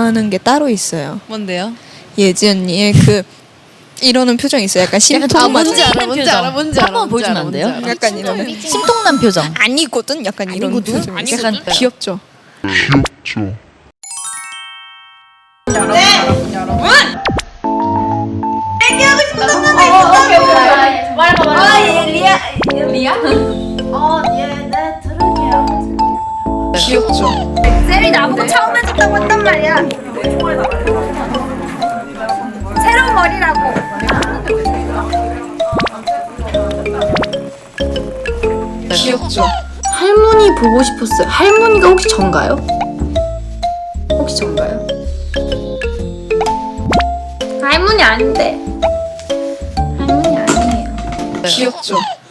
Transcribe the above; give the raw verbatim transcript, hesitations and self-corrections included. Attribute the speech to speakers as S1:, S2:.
S1: 좋아하는 게 따로 있어요.
S2: 뭔데요?
S1: 예지 언니의 그 이러는 표정 있어요. 약간 심통
S2: 아,
S1: 맞은
S2: 뭔지 알아, 뭔지 알아, 뭔지 알아.
S3: 한번 보여주면 안 돼요?
S2: 뭔지 알아.
S1: 약간 이러는
S3: 심통난 표정.
S1: 아니거든. 약간 이런
S3: 아니거든?
S1: 표정.
S2: 아니거든?
S1: 약간 귀엽죠.
S4: 귀엽죠.
S1: 귀엽죠.
S5: 쌤이 나보고 처음 해줬다고 했단 말이야. 새로운 머리라고.
S1: 귀엽죠.
S6: 할머니 보고 싶었어요. 할머니가 혹시 전가요? 혹시 전가요? 할머니 아닌데. 할머니 아니에요.
S1: 귀엽죠.